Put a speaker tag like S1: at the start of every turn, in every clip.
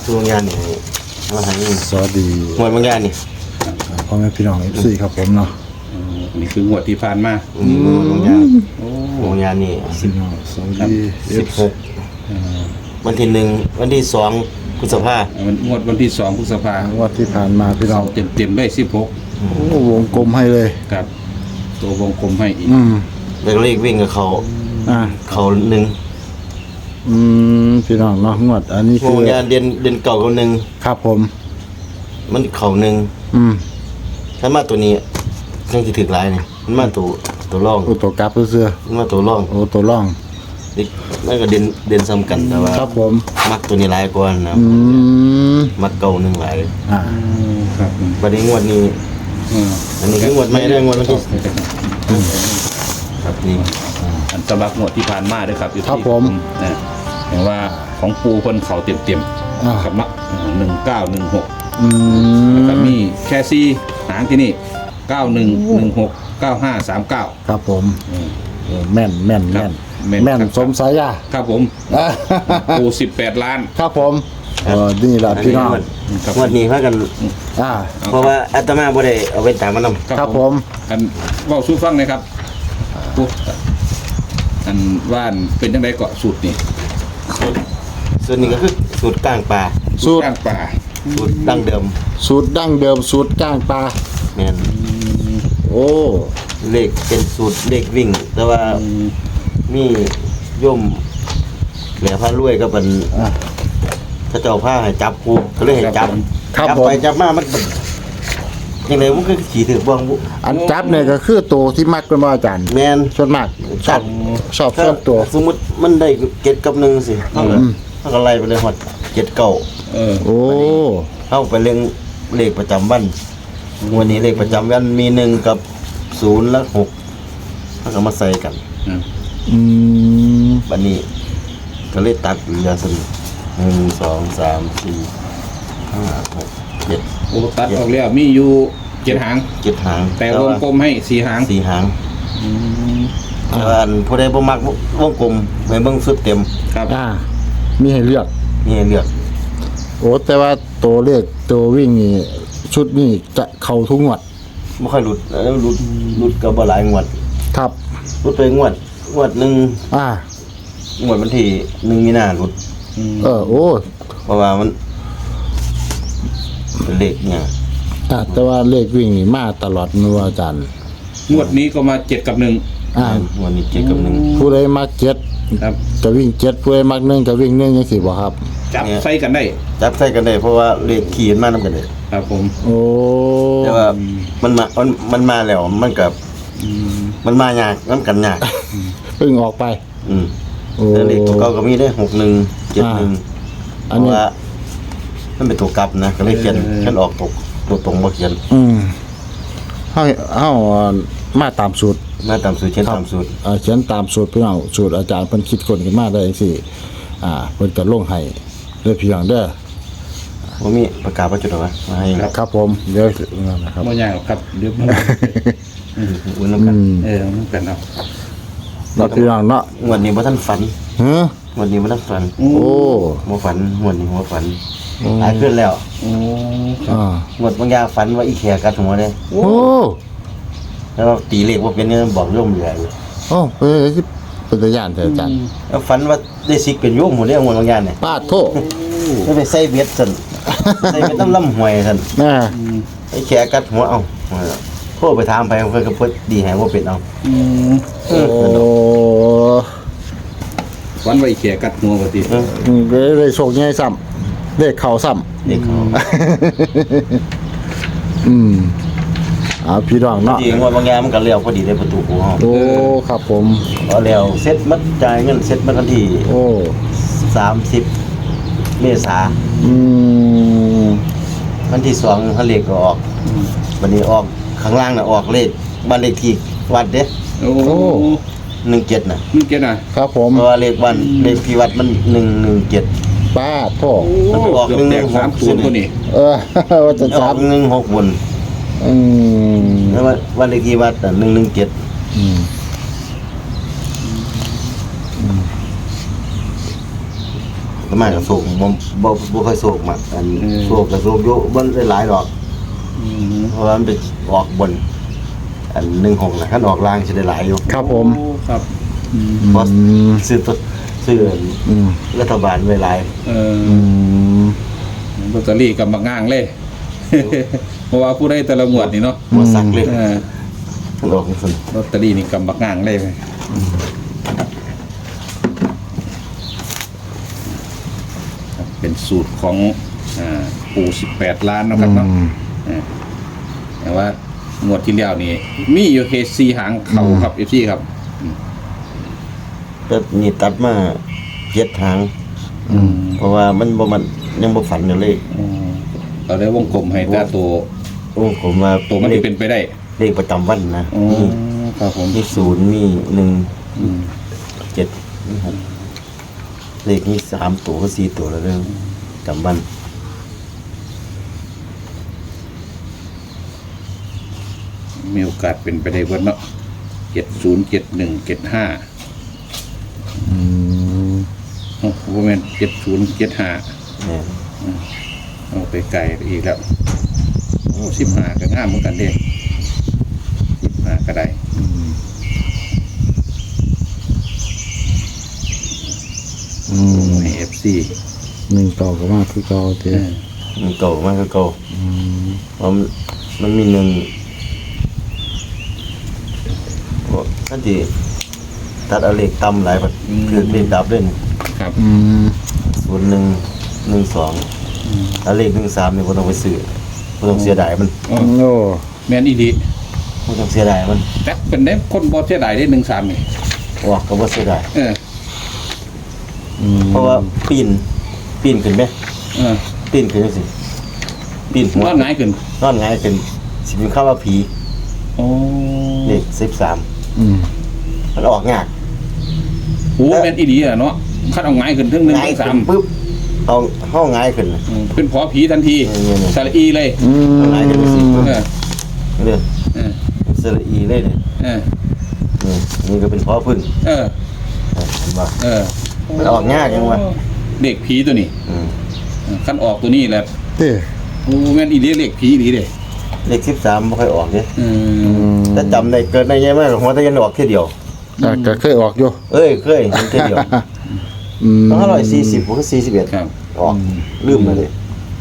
S1: ตัวงานนี่มาให้
S2: สวัสดี
S1: หมดบางงานนี่
S2: พ่อแม่พี่น้อง FC ครับผมเนาะ
S3: อันนี้คืองวดที่ผ่านมา
S1: หมดบางงานบางงานนี่
S2: พี่น้องสวัสดี
S1: 16วันที่1วันที่2พฤษภา
S3: มันงวดวันที่2พฤษภาคม
S2: วันที่ผ่านมาพี่น้อง
S3: เต็มได้16
S2: โอ้วงกลมให้เลย
S3: ครับตัววงกลมให้อีก
S1: แล้วเลขวิ่งกับเขา
S2: อ่า
S1: เขาหนึ่ง
S2: พี่น้องเนาะงวดอันนี้คื
S1: บา
S2: อง
S1: งงานเดือนเก่ากับหนึ่ง
S2: ครับผม
S1: มันเขาหนึ่ง ถ้ามาตัวนี้ยังจะถึกหลายนี่มันมาตัวร่อง
S2: โอ้ตัวกลับเสื้อ
S1: มันมาตัวร่อง
S2: โอ้ตัวร่อง
S1: นี่มันก็เด่นซ้ำกันแต่ว่า
S2: ครับผม
S1: มักตัวนี้หลายกว่านะ มักเก่าหนึ่งหลาย
S2: อ่า
S3: ครับ
S1: บัดนี้งวดนี้ อันนี้คืองวดไม่ได้งวดวันที่ครับนี่
S3: อันสำหรับงวดที่ผ่านมาด้วยครับอยู่
S2: ครับ
S3: ที่
S2: ผม
S3: นะเห็นว่าของปูคนเขาเต็ม
S2: อ่า
S3: ๆครับเนาะ1916 แล้วก็มีแค่ซี่หางที่นี่9116 9539
S2: ครับผมโอ้แม่นแม่น
S3: ครั
S2: แม่
S3: บ
S2: นแม่นสมสายยา
S3: ครับผมปู18 ล้าน
S2: ครับผมนี่แหละพี่น้อง
S1: งวดนี้พากัน
S2: อ่า
S1: เพราะว่าอาตมาบ่ได้เอาไปตามมันนำ
S2: ครับผม
S3: อันเว่าสู้ฟังเลยครับปุ๊บอันว่านเป็นยังไงเกาะสูตรนี่
S1: ส่วนนี้ก็คือสูตรกลางป่า
S2: สูตร
S3: กลางป่า
S1: สูตรดั้งเดิม
S2: สูตรดั้งเดิมสูตรก้างปลา
S1: แม่น
S2: โอ้
S1: เลขเป็นสูตรเลขวิ่ง แต่ว่ามีโยมแหล่พระรวยก็เป็น
S2: อ่ะ
S1: พระเจ้าพาให้จับกูก็เลยให้จับ
S2: ครับ
S1: จับ
S2: ผม
S1: ไปจับมามันเป็นยังไงมันก็ขี่ถือบ้างบุ
S2: อันจับเนี่ยก็คือตัวที่มักเป็นว่าอาจารย์
S1: แม่น
S2: ส่วนมากชอบส่วนตัว
S1: สมมุติมันได้เจ็ดกับหนึ่งสิเท่ากับไล่ไปเลยหมดเจ็ดเก้า
S2: โอ้
S1: เข้าไปเรื่องเลขประจำวันวันนี้เลขประจำวันมี1กับ0และ6ถ้าก็มาใส่กัน
S2: อืม
S1: บัดนี้ก็เลยตัดเหลือซั่น1 2 3 4 5 6 7
S3: โอ้ตัดออกแล้วมีอยู่7 หาง
S1: 7หาง
S3: แต่วงกลมให้4 หาง
S1: 4หางแต่ว่าอันผู้ใดบ่มักวงกลมให้เบิ่งสุดเต็ม
S3: ครับ
S2: อ่ามีให้เลือก
S1: มีให้เลือก
S2: โอ้แต่ว่าตัวเลขตัววิ่งนี่ชุดนี้จะเข้าทุกงวด
S1: บ่ค่อยหลุดหลุดก็บ่หลายงวด
S2: ครับ
S1: หลุดไปงวดหนึง
S2: อ่าง
S1: วดวันที่1มีนาหลุด
S2: โอ้
S1: เพราะว่ามันเป็นเลขเนี่ย
S2: แต่ว่าเลขวิ่งนี่มาตลอดนัวอาจารย์
S3: งวดนี้ก็มา7 กับ 1
S1: วันนี้เจ็ดกับหนึ่ง
S2: ผู้ใดมักเจ็ด
S3: ครับ
S2: จะวิ่งเจ็ดผู้ใดมักหนึ่งจะวิ่งหนึ่งยังสิบ่ครับ
S3: จับใส่กันได้
S1: จับใส่กันได้เพราะว่าเลขขี่มันมานํกันเลย
S3: ครับผม
S2: โอ้
S1: แต่ว่ามันมาแล้วมันกับมันมายากมันกันยาก
S2: เพิ่งออกไป
S1: อืม
S2: โอ้
S1: แล้วเลขตัวเก่าก็มีได้61 71
S2: อัน
S1: เพ
S2: นี้
S1: ราะว่ามันเป็นตัวกลับนะก็เลยเขียนออกตัวตรงบ่เขียน
S2: เฮามาตามสูตร
S1: มาตามสูตรเขียนตามสูตร
S2: เขียนตามสูตรพี่น้องสูตรอาจารย์เพิ่นคิดคนขึ้นมาได้จังซี่เพิ่นก็ลงให้เด้อพี่น้องเด้อ
S1: บ่มีประกาศว่าจุดเอาไว้มาให้
S2: ครับผมเดี๋ยวนะครับ
S3: บ่ยากหรอกครับเดี๋ยวมัน
S1: อุ่นนำกัน
S3: มันกันเอา
S2: เราพี่น้องเนาะ
S1: งวดนี้บ่ทันฝัน
S2: ฮะ
S1: งวดนี้บ่ทันฝัน
S2: โอ้
S1: บ่ฝันงวดนี้บ่ฝันหลายขึ้นแล้ว
S3: โอ้
S2: อ่าง
S1: วดบางอย่างฝันว่าอีแขกัดหัวเด้
S2: โอ้
S1: แล้วเราตีเลขว่าเป็นเนี่ยบอกโยมเหลืออยู่
S2: โอ้เป็นตาย่านเถอะอาจารย์
S1: แล้วฝันว่าได้สิกเป็นโยมหมดเลยงวดบางอย่างเนี่ย
S2: ปาดโทษ
S1: ไม่ไปใส่เบ็ดสั่นใส่เบ็ดน้ำล่ำหวยสั่น
S2: น่ะ
S1: ไอ้แขกัดหัวเอาโทรไปถามไปเพิ่นก็เพิ่นดีให้ว่าเป็นเอา
S2: โอ้
S3: วันไว้แขกัดหัวปกติ
S2: เลยโชคใหญ่ซ้ำเลขเข้าซ้ำ
S1: เด็กเขา
S2: พี่น้องเนาะ
S1: จริงงวดบางอย่างมันก็เลี้ยวพอดีได้ประตูกูเฮา
S2: โอ้ครับผม
S1: พอแล้วเซ็ตมัดจ่ายเงินเซ็ตมาทันที
S2: โอ้
S1: 30เมษา วันที่2ถ้าเลขก็ออกวันนี้ออกข้างล่างน่ะออกเลขบ้านเลขที่วัดเด้
S3: โอ้
S1: 17น่ะ
S3: นี่เกณฑ์น่ะ
S2: ครับผม
S1: เพราะว่าเลขบ้านเลขที่วัดมัน117
S2: ป้าดโทษ
S1: มันออก
S3: เกือบแตก
S1: 116
S3: 3 0ตัวนี้
S2: ว่าจะ
S1: อ
S2: จั
S1: อบ ก16บน แล้ววันเลขที่วัด117 ประมาณกับโศกบ่ค่อยโศกมากอันโศกกับโศกอยู่บ่ได้หลายดอกเพราะว่ามันไปออกบนอัน16น่ะคันออกล่างสิได้หลายอยู่
S2: ครับผม
S3: โอ้ครับ
S1: เพราะซื้อรัฐบาลไว้หลาย
S3: ลอตเตอรี่กับบักง่างเลย เพราะว่าผู้ได้แต่ละงวดนี่เนาะ
S1: บ่สักเลย
S3: เออ
S1: คันออกจังซั่น
S3: ลอตเตอรี่นี่กับบักง่างเลยเป็นสูตรของปู่18 ล้านนะครับเนาะแต่ว่างวดที่แล้วนี่มีอยู่เคส4หางเข่าครับ FC ครับ
S1: แต่นี่ตัดมา7ทางเพราะว่ามันยังบ่ฝันอยู่เลย
S3: เราได้วงกลมให้แต่ตัว
S1: โอ้ผมว่า
S3: ตัวมันที่เป็นไปได้
S1: เลขประจำวันนะ
S3: อ๋อครับผม
S1: มี0มี1 7มี6เลขมี3ตัวก็4ตัวแล้วเด้อจำวัน
S3: มีโอกาสเป็นไปได้เบิดเนาะ70 71 75โอ้โหแม่น70 75
S1: เนี่ย
S3: เอาไปไกลอีกแล้วโอ้15ก็งามเหมือนกันเด้15ก็ได้ให้ FC
S2: 1ต่อก็มาคือเก่าเด้
S1: มันเก่ามากก็เก่าเพราะมันมี1ก็ที่ตัดเอาเลขต่ำหลายบัดคือเลขดับเล่น
S3: ครับ
S1: 0112แล้วเลข13นี่บ่ต้องไปซื้อบ่ต้องเสียดายมัน
S2: โอ้
S3: แม่นอีดี
S1: บ่ต้องเสียดายมัน
S3: แต่เป็นได้คนบ่เสียดายได้13นี่
S1: ออกก็บ่เสียดาย
S3: เออ
S1: เพราะว่าปีนขึ้นไหม
S3: เออ
S1: ปีนขึ้นจังซี่ปีนหัว
S3: นอนหงายขึ้น
S1: นอนหงายขึ้นสิเป็นคำว่าผี
S3: โอ้
S1: เลข13มันออกยาก
S3: โหแม่นอีดีอ่ะเนาะคันเอาหงายขึ้นถึง1
S1: หงาย
S3: ถึง
S1: ขึ้น
S3: 3
S1: ปุ๊บเอาห้องหงายขึ้น
S3: เป็นผอผีทันที
S1: นี่ๆ
S3: สระอีเลย
S1: ห้องหงายขึ้นสิปุ๊บ
S3: เออ
S1: เด้อ
S3: เออ
S1: สระอีเลยเนี่ย
S3: เออ
S1: นี่ก็เป็นพอพึ่ง
S3: เออ
S1: เห็นบ่
S3: เออ
S1: มันออกยากจังวะ
S3: เด็กผีตัวนี้
S1: อืม
S3: คันออกตัวนี้แหละ
S2: เด้
S3: โอ้แม่นอีเดียเด็กผีดีเด้
S1: เลข13บ่ค่อยออกเด้
S3: อืม
S1: ถ้าจำได้เกิดได้ใหญ่มากหัวตะยันออกแค่เดียว
S2: ก็เคยออกอยู่
S1: เอ้ยเคยเห็นแค่เดียว540บ่คือ41
S3: ครับ
S1: ออกลืมไปเลย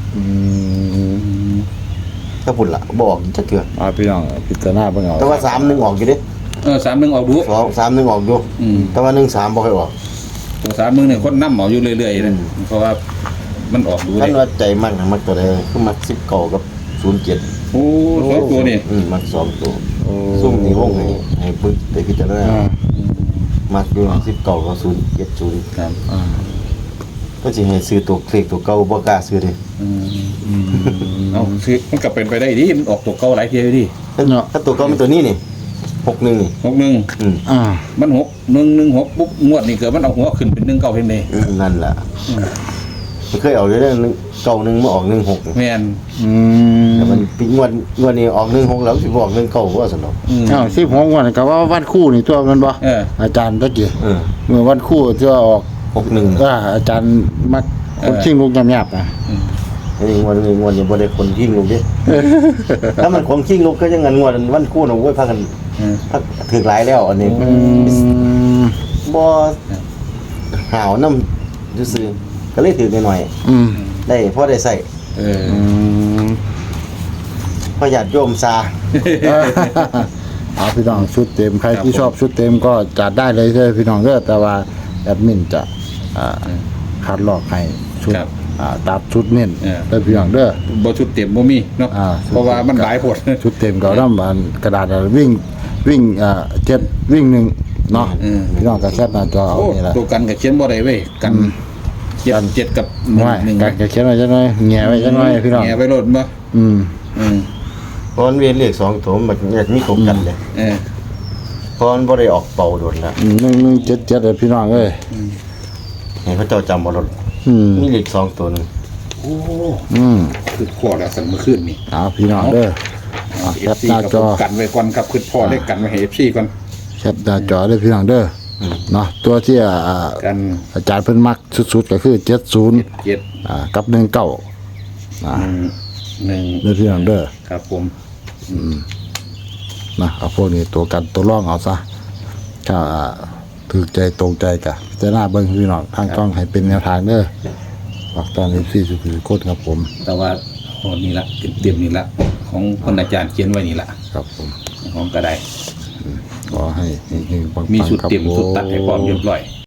S1: ถ้าพุ่นล่ะบ่ออกจักเทื่อ
S2: พี่น้องพิจารณาเบิ่งเอา
S1: แต่ว่า31ออกอยู่เด้
S3: 31ออกดู
S1: 31ออกอยู่
S3: อืม
S1: แต่ว่า13บ่ค่อยออก
S3: ตัว3มึงเนี่ยคนนำเอาอยู่เรื่อยๆนะเพราะว่ามันออกดู
S1: คั
S3: ได้
S1: นว่าใจมักตัวใดคือมัก19กับ07
S3: โอ้สองตัวนี่
S1: มัก2ตัวซุ่มนี่วงให้ปึกได้พิจารณามักอยู่19กับ070
S3: ครับ
S1: ก็สิให้ซื้อตัวเลขตัวเก่าบ่กล้าซื้อเด้
S3: เอาคือมันก็เป็นไปได้ดิมันออกตัวเก่าหลายเที่ยวดิ
S1: ถ้าตัวเก่าเป็นตัวนี้นี่61นี่
S3: 61มัน116ปุ๊บงวดนี่เกิดมันเอาหัวขึ้นเป็น19เพียงใด
S1: นั่นล่ะมันเคยเอาอยู่เด้เก่านึงมาออก16
S3: แม่น
S1: แต่มันปีงวดนี้ออก16แล้วสิบ่ออก19บ่ซั่นเนาะ
S2: 16วันก็ว่าวันคู่นี่ตัวมันบ่ อาจารย์ตะกี้เมื่อวันคู่ที่ว่าออก
S1: 61
S2: อาจารย์มักคนชิงลูกยำๆอ่ะ
S1: นี่งวดนี้บ่ได้คนขิงลูกเด้ถ้ามันคนขิงลูกก็ยังงั้นงวดวันคู่น่ะโอ้ยพากันถึกหลายแล้วอันนี้บ่หาวนำซื่อๆก็เลยถึกหน่อยๆได้พอได้ใส่พอญาติโยมซา
S2: เอาพี่น้องชุดเต็มใครที่ชอบชุดเต็มก็จัดได้เลยเด้อพี่น้องเด้อแต่ว่าแอดมินจะคัดลอกให้ชุดตัดชุดเน้นเด้อพี่น้องเด้อ
S3: บ่ชุดเต็มบ่มีเนาะเพราะว่ามันหลายโพด
S2: ชุดเต็มก็นำกระดาษวิ่ง7วิ่ง1เนาะพี่น้องก็แคปหน้าจอเอา
S3: โอ้
S2: นี่ล่ะ
S3: ตัวกันก็เขียนบ่ได้เว้ยกัน7กับ
S2: ว่า
S3: 1
S2: ก็เขียนไว้จังหน่อยแหงไว้จังหน่อยพี่น้อง
S3: แง่ไปโลดบ่
S1: เพราะมันเวียนเลข2ตัวมันอยากมีของกันเลยเพราะมันบ่ได้ออกเป่าโดนแล้ว
S2: 1177เด้อพี่น้องเอ้ย
S1: ให้เขาเจ้าจำบ่ลดมีเลข2ตัวนึง
S3: โอ้คือพอแล้วสั่นเมื่อคืนนี่
S2: เอาพี่น้องเด้อแคป
S3: FC
S2: หน้า
S3: กับ
S2: จอ
S3: กันไว้ก่อนครับคือพอได้กันไว้ให้ FC ก่อน
S2: แคปหน้าจอเด้อพี่น้องเด้อเนาะตัวที่
S3: กัน
S2: อาจารย์เพิ่นมักสุดๆก็คือ70
S3: เจ็ด
S2: กับ19
S3: หนึ่ง
S2: เด้อพี่น้องเด้อ
S3: ครับผม
S2: นะเอาพวกนี้ตัวกันตัวร่องเอาซะถ้าถูกใจตรงใจกะจะหน้าเบิ่งพี่น้องทางกล้องให้เป็นแนวทางเด้อฝากตอนนี้ที่สุดคือโคตรครับผม
S3: แต่ว่าโอ้นี่ละเต็มๆนี่ละของคนอาจารย์เขียนไว้นี่ละ
S2: ครับผม
S3: ของก็ได้
S2: ขอให้เฮงๆปังๆ
S3: มีชุด
S2: ครับ
S3: เต็ม
S2: ผ
S3: ชุดตัดให้พร้อมเรียบร้อย